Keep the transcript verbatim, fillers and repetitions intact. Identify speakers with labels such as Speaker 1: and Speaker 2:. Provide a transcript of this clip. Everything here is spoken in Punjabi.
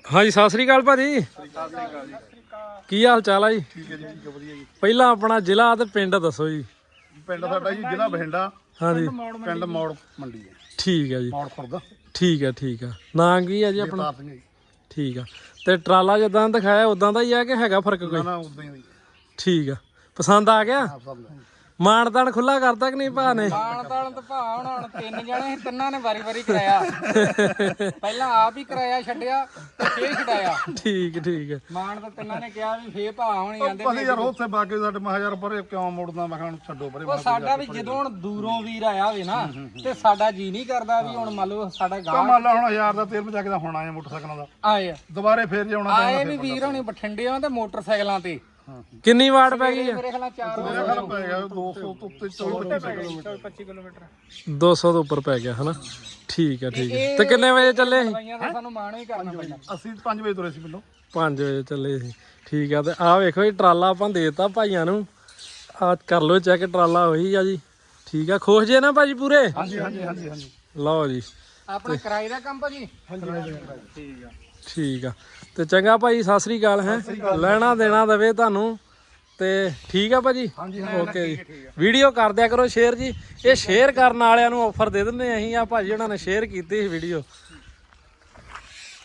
Speaker 1: हाँ जी सत श्री अकाल भाजी की हाल चाल है जी?
Speaker 2: ठीक है जी, ठीक है, वधिया जी।
Speaker 1: पहला अपना जिला ते पिंड दसो जी।
Speaker 2: पिंड साडा जी जिला बठिंडा।
Speaker 1: हाँ जी
Speaker 2: पिंड मौड़ मंडी है।
Speaker 1: ठीक है जी।
Speaker 2: मौड़ खुर्द।
Speaker 1: ठीक है ठीक है। नाम की है जी अपना?
Speaker 2: जगतार सिंह जी।
Speaker 1: ठीक है। ते ट्राला जिद्दां दिखाया उदां दा ही है कि हैगा फर्क
Speaker 2: ना
Speaker 1: कोई?
Speaker 2: ना उदां ही है।
Speaker 1: ठीक है। पसंद आ गया?
Speaker 2: हाँ, सब है।
Speaker 1: ਮਾਣ ਤਾਣ ਖੁੱਲਾ ਕਰਤਾ ਕਿ ਨਹੀਂ ਭਾ ਨੇ?
Speaker 3: ਮਾਣ ਤਾਣ ਤਾਂ ਭਾ ਹੁਣ ਹੁਣ ਤਿੰਨ ਜਣੇ ਸੀ, ਤਿੰਨਾਂ ਨੇ ਵਾਰੀ ਵਾਰੀ ਕਰਾਇਆ। ਪਹਿਲਾਂ ਆਪ ਹੀ ਕਰਾਇਆ ਛੱਡਿਆ ਤੇ ਫੇਰ ਛਡਾਇਆ।
Speaker 1: ਠੀਕ ਠੀਕ ਹੈ।
Speaker 3: ਮਾਣ ਤਾਂ ਤਿੰਨਾਂ ਨੇ ਕਿਹਾ ਵੀ ਫੇਰ ਭਾ ਹੋਣੀ ਆਂਦੇ
Speaker 2: ਪਤਾ ਯਾਰ ਉੱਥੇ ਬਾਕੀ ਸਾਡੇ ਮੈਂ ਯਾਰ ਪਰੇ ਕਿਉਂ ਮੁੜਦਾ, ਮੈਂ ਕਿਹਾ ਹੁਣ ਛੱਡੋ ਪਰੇ।
Speaker 3: ਉਹ ਸਾਡਾ ਵੀ ਜਦੋਂ ਹੁਣ ਦੂਰੋਂ ਵੀਰ ਆਇਆ ਹੋਵੇ ਨਾ ਤੇ ਸਾਡਾ ਜੀ ਨਹੀਂ ਕਰਦਾ ਵੀ ਹੁਣ ਮੰਨ ਲਓ ਸਾਡਾ ਗਾਹ
Speaker 2: ਮੰਨ ਲਾ ਹੁਣ ਹਜ਼ਾਰ ਦਾ ਤੇਲ ਮਚਾ ਕੇ ਦਾ ਹੁਣ ਆਇਆ ਮੋਟਰਸਾਈਕਲਾਂ ਦਾ,
Speaker 3: ਆਏ ਆ
Speaker 2: ਦੁਬਾਰੇ ਫੇਰ ਜਾਉਣਾ
Speaker 3: ਆਏ ਵੀ ਵੀਰ ਹੋਣੀ ਬਠਿੰਡਿਆਂ ਤੇ ਮੋਟਰਸਾਈਕਲਾਂ ਤੇ।
Speaker 1: ਕਿੰਨੀ ਵਾਟ ਪੈ ਗਈ?
Speaker 3: ਮੇਰੇ ਖਿਆਲ ਚਾਰ
Speaker 2: ਮੇਰਾ ਖਿਆਲ ਪੈ ਗਿਆ ਦੋ ਸੌ ਤੋਂ ਉੱਤੇ ਚੌਵੀ
Speaker 3: ਪੱਚੀ ਕਿਲੋਮੀਟਰ
Speaker 1: ਦੋ ਸੌ ਤੋਂ ਉੱਪਰ ਪੈ ਗਿਆ ਹਨਾ। ਠੀਕ ਹੈ ਠੀਕ ਹੈ। ਤੇ ਕਿੰਨੇ ਵਜੇ ਚੱਲੇ ਸੀ?
Speaker 3: ਦਵਾਈਆਂ ਦਾ ਸਾਨੂੰ ਮਾਣ ਹੀ ਕਰਨਾ ਪੈਂਦਾ।
Speaker 2: ਅਸੀਂ ਪੰਜ ਵਜੇ ਤੁਰੇ ਸੀ ਪਿੰਡੋਂ।
Speaker 1: ਪੰਜ ਵਜੇ ਚੱਲੇ ਸੀ। ਠੀਕ ਆ। ਤੇ ਆਹ ਵੇਖੋ ਇਹ ਟਰਾਲਾ ਆਪਾਂ ਦੇਤਾ ਭਾਈਆਂ ਨੂੰ। ਆ ਕਰ ਲਓ ਚੈੱਕ, ਟਰਾਲਾ ਉਹੀ ਆ ਜੀ। ਠੀਕ ਆ। ਖੁਸ਼ ਜੇ ਨਾ ਭਾਜੀ ਪੂਰੇ?
Speaker 2: ਹਾਂਜੀ ਹਾਂਜੀ ਹਾਂਜੀ ਹਾਂਜੀ।
Speaker 1: ਲਓ ਜੀ
Speaker 3: ਆਪਣਾ ਕਿਰਾਏ ਦਾ ਕੰਮ ਭਾਜੀ?
Speaker 2: ਹਾਂਜੀ
Speaker 3: ਠੀਕ ਆ
Speaker 1: ਠੀਕ ਆ। ਤੇ ਚੰਗਾ ਭਾਈ ਸਤਿ ਸ੍ਰੀ ਅਕਾਲ ਹੈ। ਲੈਣਾ ਦੇਣਾ ਦਵੇ ਤੁਹਾਨੂੰ ਤੇ ਠੀਕ ਆ ਭਾਜੀ। ਓਕੇ ਜੀ। ਵੀਡੀਓ ਕਰ ਦਿਆ ਕਰੋ ਸ਼ੇਅਰ ਜੀ। ਇਹ ਸ਼ੇਅਰ ਕਰਨ ਵਾਲਿਆਂ ਨੂੰ ਆਫਰ ਦੇ ਦਿੰਦੇ ਅਸੀਂ। ਆ ਭਾਜੀ ਉਹਨਾਂ ਨੇ ਸ਼ੇਅਰ ਕੀਤੀ ਸੀ ਵੀਡੀਓ।